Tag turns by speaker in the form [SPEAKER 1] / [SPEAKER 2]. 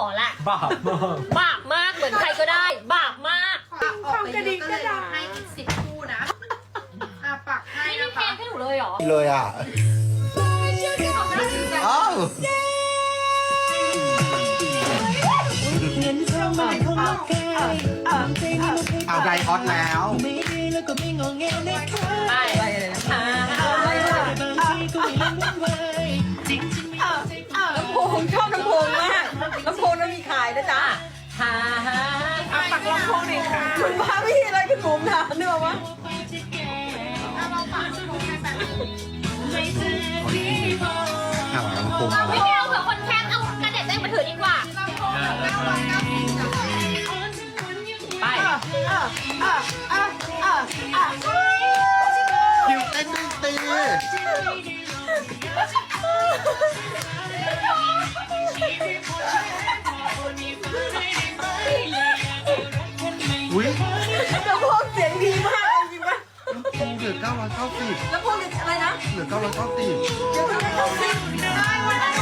[SPEAKER 1] แหละ
[SPEAKER 2] บาปมาก
[SPEAKER 1] บาปมากเหมือนใครก็ได้ บาปมาก
[SPEAKER 3] ออกไปเยอะก็เลยให้อีก10 คู่นะปักให้
[SPEAKER 1] นี่
[SPEAKER 3] นะ
[SPEAKER 1] มีเพล
[SPEAKER 3] คะ
[SPEAKER 1] งให้หนูเลยเหรอ
[SPEAKER 4] เลยอ่ะอ้าว เอาไดออสแล้ว
[SPEAKER 1] ไปไปเลยนะลำโพงชอบลำโพงมากลำโพงนั้นมีขายนะจ๊ะฮ่าฮ่า
[SPEAKER 3] ปักลำโพงหน่อยค่ะ
[SPEAKER 1] คุณพาพี่อะไรคุณผมถามเนื้อวะ
[SPEAKER 3] เราปักลำโพงให้แบบนี้
[SPEAKER 4] เอาลำโพงมา
[SPEAKER 1] ไม่
[SPEAKER 4] แล้ว
[SPEAKER 1] เอาเผื่อคนแคปเอากระเด็ดเต้นมาถือดีกว่า
[SPEAKER 3] ลำโพง990
[SPEAKER 1] ไป
[SPEAKER 4] คิวเต้นดนตรีอุ้ย
[SPEAKER 1] ลำโพงเสียงดีมากจริงปะ
[SPEAKER 4] ลำโพงเหลือ990
[SPEAKER 1] ลำโพงอะไรนะ
[SPEAKER 4] เหลือ990
[SPEAKER 1] เดี๋ยวไม่ได้ต้องซิ
[SPEAKER 3] ได้วันละ